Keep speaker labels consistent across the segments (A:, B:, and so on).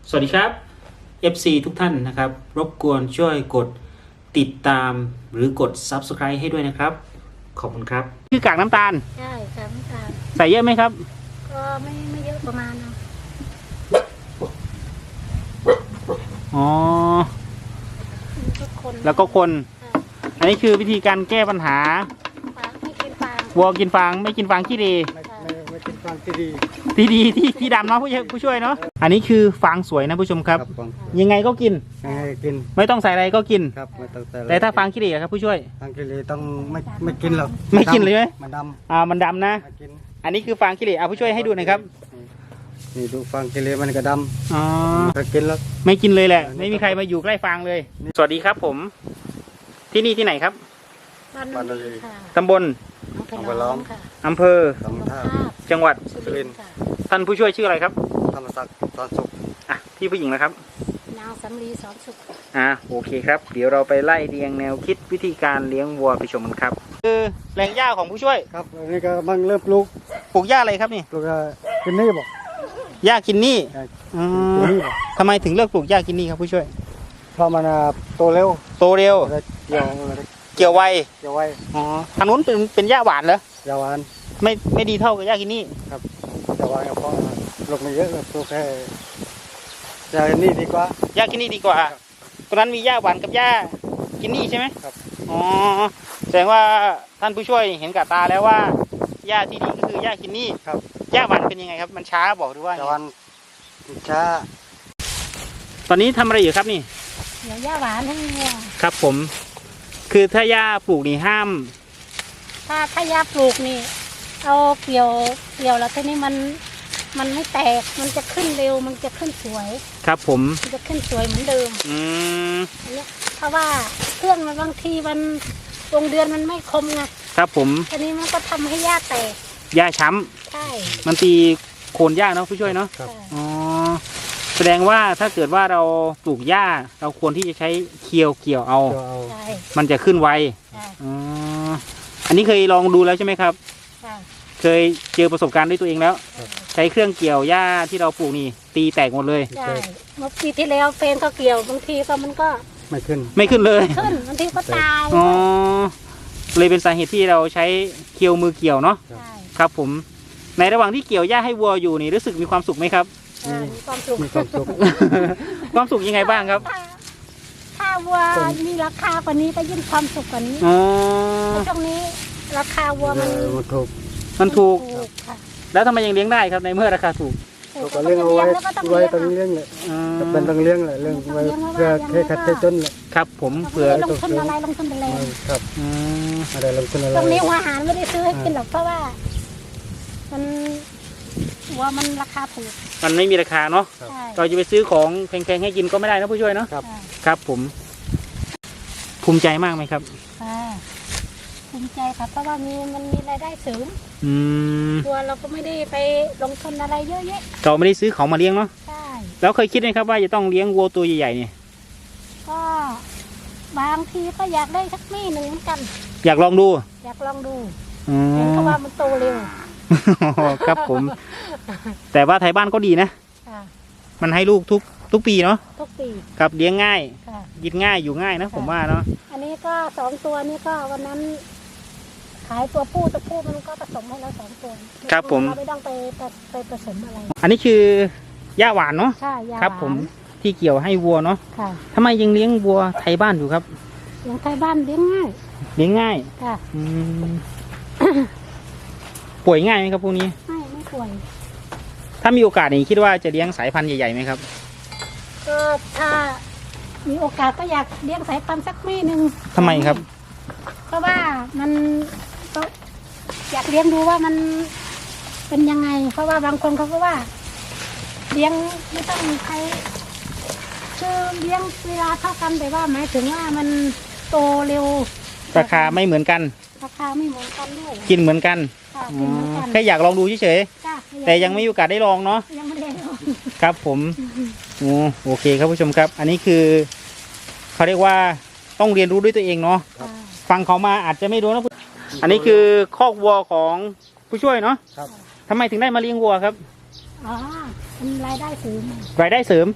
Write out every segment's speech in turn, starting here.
A: สวัสดีครับ FC ทุกท่านนะครับรบกวนช่วยกดติดตามหรือกด Subscribe ให้ด้วยนะครับขอบคุณครับคือกากน้ำตาล
B: ใช่ค่ะน้ำตาล
A: ใส่เยอะไหมครับ
B: ก็ไม่เยอะประมาณนะ
A: อ๋อ
B: แล้วก็คน
A: อันนี้คือวิธีการแก้ปัญหา
B: ฟางไม่กินฟาง
A: วัวกินฟางไม่กินฟางขี้ดี
C: ไม่กินฟางที่ดี
A: ที่ดำเนาะผู้ช่วยเนาะอันนี้คือฟางสวยนะผู้ชมครับยังไงก็กินไม่ต้องใส่อะไรก็กิน
C: ครับไม่ต้องใส่
A: แต่ถ้าฟางขี้ดีครับผู้ช่วย
C: ฟางขี้ดีต้องไม่กินหรอก
A: ไม่กินเลยไหม
C: มันดำ
A: มันดำนะอันนี้คือฟางขี้ดีผู้ช่วยให้ดูหน่อยครับ
C: นี่ดูฟางขี้ดีมันก็ดำ
A: ไม่
C: กินแล้ว
A: ไม่กินเลยแหละไม่มีใครมาอยู่ใกล้ฟางเลยสวัสดีครับผมที่นี่ที่ไหนครับ
C: บ้านนาลี
A: ตำบลอำเภอจังหวัด
C: สุรินทร์
A: ท่านผู้ช่วยชื่ออะไรครับ
C: ธรรมศักดิ์สอนสุข
A: พี่ผู้หญิงนะครับ
B: นางสำลีสอนสุข
A: โอเคครับเดี๋ยวเราไปไล่เรียงแนวคิดวิธีการเลี้ยงวัวไปชมกันครับคือแปลงหญ้าของผู้ช่วย
C: ครับอันนี้ก็บังเริ่มปลูก
A: หญ้าอะไรครับนี่
C: ปลูกกินนี่บอก
A: หญ้ากินนี่ทำไมถึงเลือกปลูกหญ้ากินนี่ครับผู้ช่วย
C: เพราะมันโตเร็ว
A: เกี่ยวไวทางนู้นเป็นหญ้าหวานเหรอ
C: หญ้าหวาน
A: ไม่ดีเท่ากับหญ้ากินนี่
C: ครับหญ้าหวานเพราะลูกมันเยอะปลูกแค่หญ้ากินนี่ดีกว่า
A: หญ้ากินนี่ดีกว่าตรงนั้นมีหญ้าหวานกับหญ้ากินนี่ใช่ไหม
C: ครับ
A: แสดงว่าท่านผู้ช่วยเห็นกับตาแล้วว่าหญ้าที่ดีก็คือหญ้ากินนี่
C: ครับ
A: หญ้าหวานเป็นยังไงครับมันช้าบอกดูว่า
C: หญ้าหวานช้า
A: ตอนนี้ทำอะไรอยู่ครับนี่
B: เดี๋ยวหญ้าหวานให้วัว
A: ครับผมคือถ้าหญ้าปลูกนี่ห้าม
B: ถ้าหญ้าปลูกนี่เอาเกี่ยวแล้วทีนี้มันไม่แตกมันจะขึ้นเร็วมันจะขึ้นสวย
A: ครับผม
B: มันจะขึ้นสวยเหมือนเดิมอันนี้เพราะว่าเครื่องมันบางทีมันวงเดือนมันไม่คมไง
A: ครับผม
B: ทีนี้มันก็ทำให้หญ้าแตก
A: หญ้าช้
B: ำใช่
A: มันตีโคนหญ้าเนาะผู้ช่วยเนาะแสดงว่าถ้าเกิดว่าเราปลูกหญ้าเราควรที่จะใช้เกี่ยวเอามันจะขึ้นไวอันนี้เคยลองดูแล้วใช่ไหมครับเคยเจอประสบการณ์ด้วยตัวเองแล้วใช้เครื่องเกี่ยวหญ้าที่เราปลูกนี่ตีแตกหมดเลย
B: ใช่เมื่อปีที่แล้วเฟนก็เกี่ยวบางทีก็มันก็
A: ไม่ขึ้นเลย
B: ขึ้นบางทีก็ตาย
A: เลยเป็นสาเหตุที่เราใช้เกี่ยวมือเกี่ยวเนาะครับผมในระหว่างที่เกี่ยวหญ้าให้วัวอยู่นี่รู้สึกมีความสุขไหมครับ
B: มีความสุข
A: ความสุขยังไงบ้างครับ
B: ถ้าวัวมีราคากว่านี้ก็ยิ่งความสุขกว่านี้ช่วงนี้ราคาวัว
A: มันถูกแล้วทำไมยังเลี้ยงได้ครับในเมื่อราคาถูก
C: ก็เลี้ยงเอาไว้ต้องเลี้ยงเลยเป็นต้องเลี้ยงเลยเลี้ยงไว้เพื่อแค่ขัดแค่จนเลย
A: ครับผมเผื่อ
B: ลงทุนอะไรลงทุนอะไร
C: ครับอะไรลงทุนอะไร
B: ตรงนี้อาหารไม่ได้ซื้อให้กินหรอกเพราะว่ามันวัวมันราคาถูก
A: มันไม่มีราคาเนาะเราจะไปซื้อของแพงๆให้กินก็ไม่ได้นะผู้ช่วยเนาะครับผมภูมิใจมากไหมครับ
B: ภูมิใจครับเพราะว่ามันมีรายได้เสริมตัวเราก็ไม่ได้ไปลงทุนอะไรเยอะแยะ
A: เราไม่ได้ซื้อของมาเลี้ยงเนาะ
B: ใช่
A: แล้วเคยคิดไหมครับว่าจะต้องเลี้ยงวัวตัวใหญ่ๆเนี่ย
B: ก็บางทีก็อยากได้สักมี่หนึ่งเหมือนกัน
A: อยากลองดู
B: เห็นเขาว่ามันโตเร็ว
A: ครับผมแต่ว่าไทยบ้านก็ดีนะมันให้ลูกทุกปีเนาะ
B: ทุกปี
A: ครับเลี้ยงง่ายกินง่ายอยู่ง่ายนะผมว่าเนาะ
B: อันนี้ก็2 ตัวนี้ก็วันนั้นขายตัวผู้มันก็ผสมให้เรา2 ตัว
A: ครับผม
B: เราไม่ต้องไปผสมอะไร
A: อันนี้คือหญ้าหวานเนาะ
B: ใช่หญ้าหวาน
A: ครับผมที่เกี่ยวให้วัวเนาะทำไมยังเลี้ยงวัวไทยบ้านอยู่ครับ
B: เลี้ยงไทยบ้านเลี้ยงง่าย
A: ค่ะป่วยง่ายไหมครับพวกนี้
B: ไม่ป่วย
A: ถ้ามีโอกาสนี่คิดว่าจะเลี้ยงสายพันธุ์ใหญ่ๆไหมครับ
B: ก็ถ้ามีโอกาสก็อยากเลี้ยงสายพันธุ์สักมี่หนึ่ง
A: ทำไมครับ
B: เพราะว่ามันก็อยากเลี้ยงดูว่ามันเป็นยังไงเพราะว่าบางคนเขาก็ว่าเลี้ยงไม่ต้องใครคือเลี้ยงเวลาเท่ากันแต่ว่าหมายถึงว่ามันโตเร็ว
A: ราคาไม่เหมือนกัน
B: ด้วย
A: กินเหมือนกันแค่อยากลองดูเฉยๆแต่ยังไม่มีโอกาสได้ลองเนาะ
B: ยังไม่ได้ลอง
A: ครับผมโอเคครับผู้ชมครับอันนี้คือเขาเรียกว่าต้องเรียนรู้ด้วยตัวเองเนาะฟังเขามาอาจจะไม่รู้นะอันนี้คือคอกวัวของผู้ช่วยเนาะทำไมถึงได้มาเลี้ยงวัวครับ
B: เป็นรายได้เสริม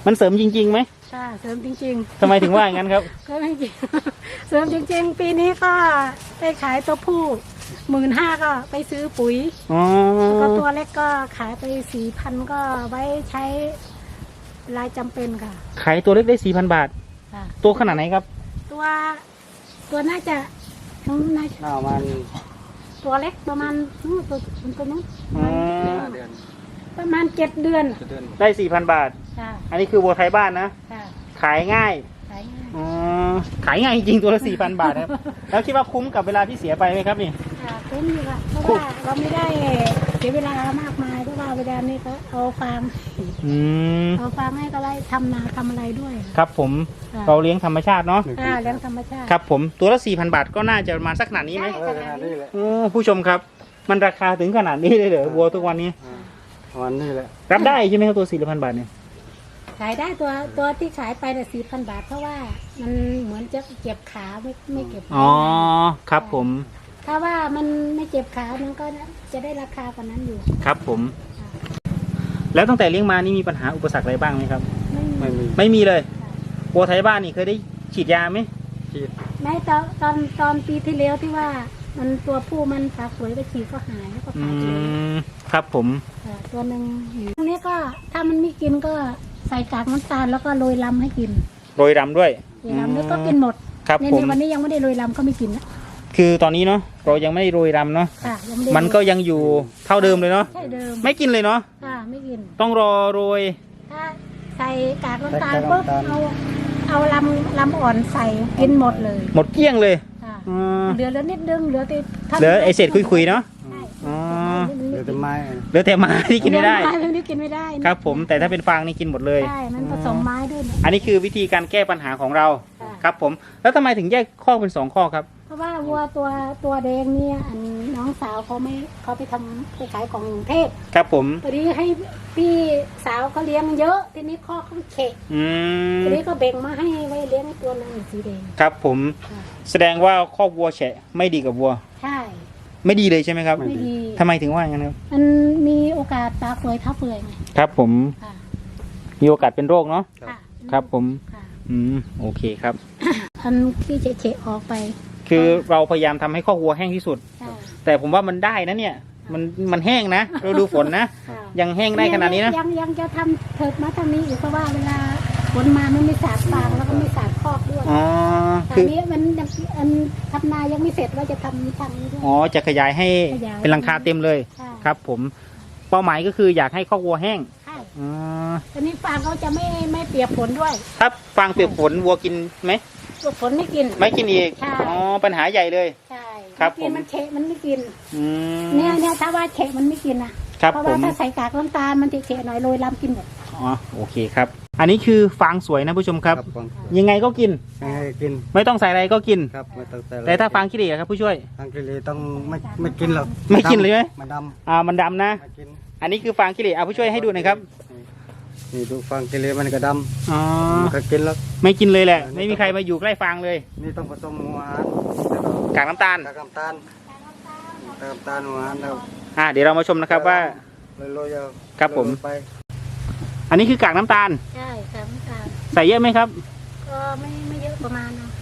A: มันเสริมจริงๆไหม
B: ค่ะเสริมจริง
A: ทำไมถึงว่าอย่างนั้นครับ
B: ๆก็ไม่จริง เสริมจริงๆ ปีนี้ก็ไปขายตัวผู้15,000ก็ไปซื้อปุ๋ย
A: อ๋อ
B: แล้วก็ตัวเล็กก็ขายไป4,000ก็ไว้ใช้รายจำเป็นค่ะ
A: ขายตัวเล็กได้ 4,000 บาท
B: ค่ะ
A: ตัวขนาดไหนครับ
B: ตัวน่าจะน่าจะ
C: มัน
B: ตัวเล็กประมาณตัวนู้น
A: อ๋อ
C: เดือน
B: ประมาณ7 เดือน
C: เดือน
A: ได้ 4,000 บาท
B: ค่ะ
A: อันนี้คือวัวไทยบ้านนะ
B: ค่ะ
A: ขายง่าย
B: ขายง่าย
A: อ๋อ ขายง่ายจริงๆตัวละ 4,000 บาทครับ แล้วคิดว่าคุ้มกับเวลาที่เสียไปไหมครับนี่
B: ค่ะคุ้มอยู่ค่ะเพราะว่าเราไม่ได้เสียเวลามากมายเพราะว่าเวลานี้ก็เอาฟาร์ม
A: อืม
B: เอาฟาร์มให้ก็ได้ทำนาทำอะไรด้วย
A: ครับผม
B: ค่ะ
A: เราเลี้ยงธรรมชาติเนาะ
B: เลี้ยงธรรมชาติ
A: ครับผม ตัวละ 4,000 บาทก็น่าจะประมาณสักขนาดนี้ไหม
B: ใช่
C: นี่แหละ
A: โอ้ผู้ชมครับ มันราคาถึงขนาดนี้เลยเหรอวัวทุกวันนี้
C: วันนี้แหละ
A: รับได้ใช่ไหมครับตัว 4,000 บาทเนี่ย
B: ขายได้ตัวที่ขายไปแต่4,000 บาท เพราะว่ามันเหมือนจะเจ็บขาไม่เก็บ
A: อ๋อ ครับผม
B: ถ้าว่ามันไม่เจ็บขามันก็จะได้ราคากว่านั้นอยู่
A: ครับผม แล้วตั้งแต่เลี้ยงมานี่มีปัญหาอุปสรรคอะไรบ้างไหมครับ
C: ไม่มี
A: ไม่มีเลยวัวไทยบ้านนี่เคยได้ฉีดยาไหม
C: ฉีด
B: ไม่ตอนปีที่แล้วที่ว่ามันตัวผู้มันปากสวยไปฉีดก็หายแล้วก็
A: อื
B: ขายไปเลย
A: ม ครับผม
B: ตัวหนึ่งตรงนี้ก็ถ้ามันไม่กินก็ใส่กากน้ำตาลแล้วก็โรยลำให้กิน
A: โรยรำด้วย
B: โรยลำแล้วก็กินหมด
A: ครับ
B: ใน
A: ผม
B: วันนี้ยังไม่ได้โรยลำก็ไม่กินนะ
A: คือตอนนี้เนาะเรายังไม่ได้โรยรำเนาะ
B: ค่ะยังไม่ได้
A: มันก็ยังอยู่เท่าเดิมเลยเนาะ
B: ใช่เดิม
A: ไม่กินเลยเนาะ
B: ค่ะไม่กิน
A: ต้องรอโรย
B: ถ้าใส่กากน้ำตาลปุ๊บเอาลำอ่อนใส่กินหมดเลย
A: หมดเกลี้ยงเลย
B: ค่ะ
A: อืม
B: เหลือนิดนึงเหลือแต่
A: เหลือไอเศษคุยๆเนาะ
B: ใช่
A: อ๋อ
C: เดือนต้นไม้
A: เหลือแต่ไม้ที่กินไม่ได้
B: ไม้พวกนี้กินไม่ได้
A: ครับผม แต่ถ้าเป็นฟางนี่กินหมดเลย
B: ใช่มันผสมไม้ด้วยเนี่ย
A: อันนี้คือวิธีการแก้ปัญหาของเรา
B: ค่ะ
A: ครับผม แล้วทำไมถึงแยกข้อเป็น2 ข้อครับ
B: เพราะว่าวัวตัวแดงเนี่ยอันน้องสาวเขาไปทำไปขายของกรุงเทพ
A: ครับผม
B: พอดีให้พี่สาวเขาเลี้ยงเยอะทีนี้ข้อเขาเฉะ
A: อืม
B: ทีนี้ก็แบ่งมาให้ไว้เลี้ยงตัวนึงสีแดง
A: ครับผม
B: ค่ะ
A: แสดงว่าคอกวัวแฉะไม่ดีกับวัว
B: ใช่
A: ไม่ดีเลยใช่ไหมครับ
B: ไม่ดี
A: ทำไมถึงว่าอย่างนั้นครับ
B: มันมีโอกาสตาเปื่อยเท้าเปื่อยไง
A: ครับผม
B: ค่ะ
A: มีโอกาสเป็นโรคเนาะ
B: ค่ะ
A: ครับผม
B: ค่ะ
A: โอเคครับ
B: อันที่เฉะๆออกไป
A: คือเราพยายามทำให้คอกวัวแห้งที่สุด
B: ใช่
A: แต่ผมว่ามันได้นะเนี่ย มันแห้งนะเราดูฝนนะ
B: ค่ะ
A: ยังแห้งได้ขนาดนี้นะ
B: ยังจะทำเถิดมาทางนี้อีกเพราะว่าเวลาฝนมามันไม่สาดฟางแล้วก็ไม่สาดคอกด้วย
A: อ๋อ
B: ตอ
A: คื
B: น
A: อ
B: นี้มันยังอันทำนายังไม่เสร็จว่าจะทำทางนี้ด้วย
A: อ๋อ จะขยายให้
B: ขยาย
A: เป็นหลังคาเต็มเลย
B: ใช่
A: ครับผม เป้าหมายก็คืออยากให้คอกวัวแห้ง
B: ใช่
A: อ๋อ
B: ตอนนี้ฟางเขาจะไม่เปียกฝนด้วย
A: ถ้าฟางเปียกฝนวัวกินไหม
B: พวกฝนไม่กิน
A: ไม่กินอีก
B: ใช่
A: อ๋อ ปัญหาใหญ่เลย
B: ใช่
A: ครับ
B: ไม่กิน
A: ผม
B: มันเฉะมันไม่กิน
A: อืม
B: เนี่ยถ้าว่าเฉะมันไม่กินนะครับ เพราะ
A: ผ
B: ว่าม ถ้าใส่กากน้ำตาลมันจะเฉะหน่อยโรยลำกินหมด
A: อ๋อ โอเคครับ อันนี้คือฟางสวยนะผู้ชมครับ
C: ฟัง
A: ยังไงก็กิน
C: ให้กิน
A: ไม่ต้องใส่อะไรก็กิน
C: ครับไม่ต้องแต่
A: แต่ถ้าฟางขี้เหร่ครับผู้ช่วย
C: ทางกิเลต้องไม่กินหรอก
A: ไม่กินเลยไหม
C: มันด
A: มันดำนะ
C: ำไม่กิน
A: อันนี้คือฟางขี้เหร่ผู้ช่วยให้ดูหน่อยครับ
C: นี่ดูฟังกิเลมันก็ด
A: อ๋อ
C: ำมันก็กินแล้ว
A: ไม่กินเลยแหละ ไม่มีใครมาอยู่ใกล้ฟางเลย
C: นี่ต้องผสมหัวอาหาร
A: กากน้ำตาล
C: กากน้ำตาลหัวอาหารแล้ว
A: เดี๋ยวเรามาชมนะครับว่า
C: โรยๆเอา
A: ครับผม
C: โรยๆไป
A: อันนี้คือกากน้ำตาล
B: ใช่กากน้ำตาล
A: ใส่เยอะไหมครับ
B: ก็ไม่เยอะประมาณนะ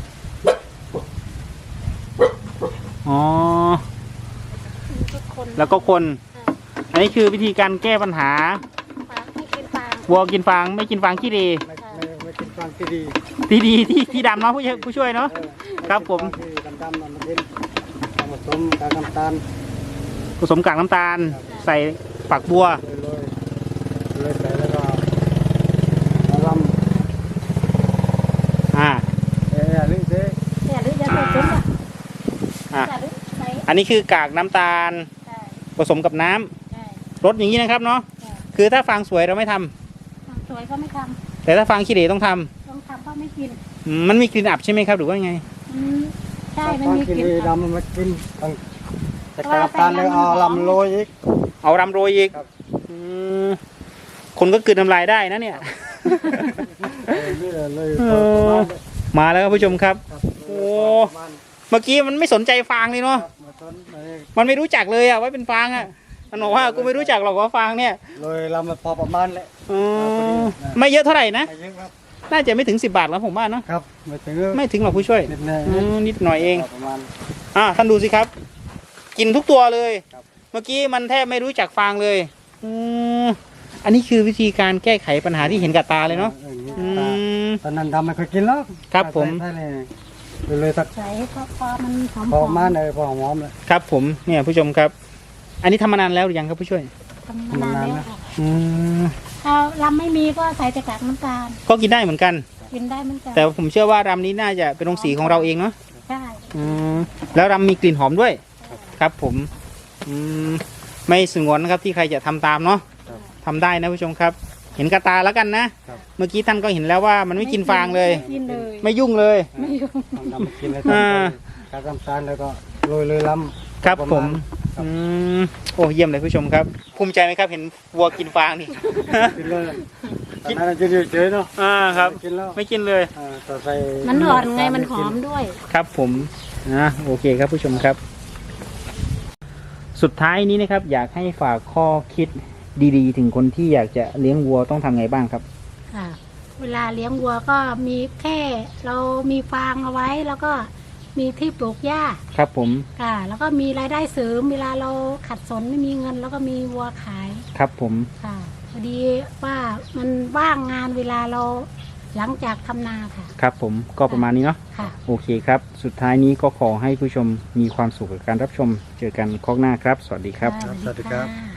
A: อ๋อ
B: ทุกคน
A: แล้วก็คน อันนี้คือวิธีการแก้ปัญหา
B: ฟางไม่กินฟาง
A: วัวกินฟางไม่กินฟางขี้เหร่
C: ไม่กินฟังที่ดี
A: ที่ดำเนาะผู้ช่วยเนาะ ครับผม
C: ที่ดำๆมันกินเอาผสมกากน้ำตาล
A: ผสมกากน้ำตาล ใส่ฝักบัว
C: โรยใส่แล้วก็เอาล
A: อ่า
C: ำลึกเด้
B: เนี่ยหรือจะใส่ซุ้มอ่ะ
A: อ่า
B: จะหรือใส่
A: อันนี้คือกากน้ำตาล
B: ใช่
A: ผสมกับน้ำ
B: ใช่
A: รสอย่างนี้นะครับเนาะ
B: ใช่
A: คือถ้าฟางสวยเราไม่ทำ
B: ฟางสวยก็ไม่ท
A: แต่ถ้าฟางขี้เหร่ต้องทำ
B: ำต้องทำก็ไม่กิน
A: มันมีกลิ่นอับใช่ไหมครับหรือว่าไง
B: อืมใช่มันมี
C: กิน
B: กลิ่น
C: ดำมันมากินต้องแต่กากน้ำตาลแล้วเอาลำโรยอีก
A: เอารำโรยอีก
C: ครับ
A: อืมคนก็กลืนน้ำลายได้นะเนี่ย
C: นี่เลย
A: เออ มาแล้วครับผู้ชมครับ โอ้ เมื่อกี้มันไม่สนใจฟางเลยเนาะ
C: มาต้น
A: มันไม่รู้จักเลยอะว่าเป็นฟางอะมันบอกว่ากูไม่รู้จักหรอกว่าฟางเนี่ย
C: โรยลำมาพอประมาณแหละ
A: อืมไม่เยอะเท่าไหร่นะ
C: ไม่เยอะครับ
A: น่าจะไม่ถึง10 บาทแล้วผมว่าเนาะ
C: ครับไม่ถึง
A: ไม่ถึงหรอกผู้ช่วย
C: นิดหน่อย
A: นิดหน่อยเอง
C: ประมาณ
A: ท่านดูสิครับ กินทุกตัวเลย
C: ครับ
A: เมื่อกี้มันแทบไม่รู้จักฟางเลยอันนี้คือวิธีการแก้ไขปัญหาที่เห็นกับตาเลยเนาะ อืม
C: ตอนนั้นทำไม่เคยกินแล้ว
A: ครับผม
C: ใช่เลยสัก
B: ใส่พอมันหอม
C: พอมาเลยพอหอมเลย
A: ครับผมเนี่ยผู้ชมครับ อันนี้ทำมานานแล้วหรือยังครับผู้ช่วย
B: ทำมานานแล้วค่ะ
A: อืม
B: ถ้าลำไม่มีก็ใส่แต่กากน้ำตาล
A: ก็กินได้เหมือนกัน
B: กินได้เหมือนกัน
A: แต่ผมเชื่อว่ารำนี้น่าจะเป็นโรงสีของเราเองเนาะ
B: ใช่
A: แล้วรำมีกลิ่นหอมด้วย ครับผมไม่สงวนนะครับที่ใครจะทำตามเนาะทำได้นะผู้ชมครับ เห็นกระตาแล้วกันนะ เมื่อกี้ท่านก็เห็นแล้วว่ามันไม่กินฟางเลย
B: ไม่กินเลย
A: ไม่ยุ่งเลย
B: ไม่ยุ่ง
C: ทำมากินเลย
A: อ่า
C: การทำตาลแล้วก็โรยเลยล้ำ
A: ครับ
C: ประ
A: ผ
C: มาณ
A: มโอ้เยี่ยมเลยผู้ชมครับ ภูมิใจไหมครับเห็นวัวกินฟางนี่
C: กินเลยตอนนั้นจะเฉยๆเนาะ
A: ครับ
C: ไม่กินแล้ว
A: ไม่กินเลย
C: ต่อใส่
B: มันอ่อนไงมันหอมด้วย
A: ครับผมโอเคครับผู้ชมครับ สุดท้ายนี้นะครับ อยากให้ฝากข้อคิดดีๆ ถึงคนที่อยากจะเลี้ยงวัวต้องทำไงบ้างครับ
B: ค่ะ เวลาเลี้ยงวัวก็มีแค่เรามีฟางเอาไว้แล้วก็มีที่ปลูกหญ้า
A: ครับผม
B: ค่ะ แล้วก็มีรายได้เสริมเวลาเราขัดสนไม่มีเงิน แล้วก็มีวัวขาย
A: ครับผม
B: ค่ะพอดีว่ามันว่างงานเวลาเราหลังจากทำนาค่ะ
A: ครับผมก็ประมาณนี้เนาะ
B: ค่ะ
A: โอเคครับ สุดท้ายนี้ก็ขอให้ผู้ชมมีความสุขกับการรับชม เจอกันครั้งหน้าครับ สวัสดีครับ
B: ค่ะ
C: สวัสดีครับ
B: ะ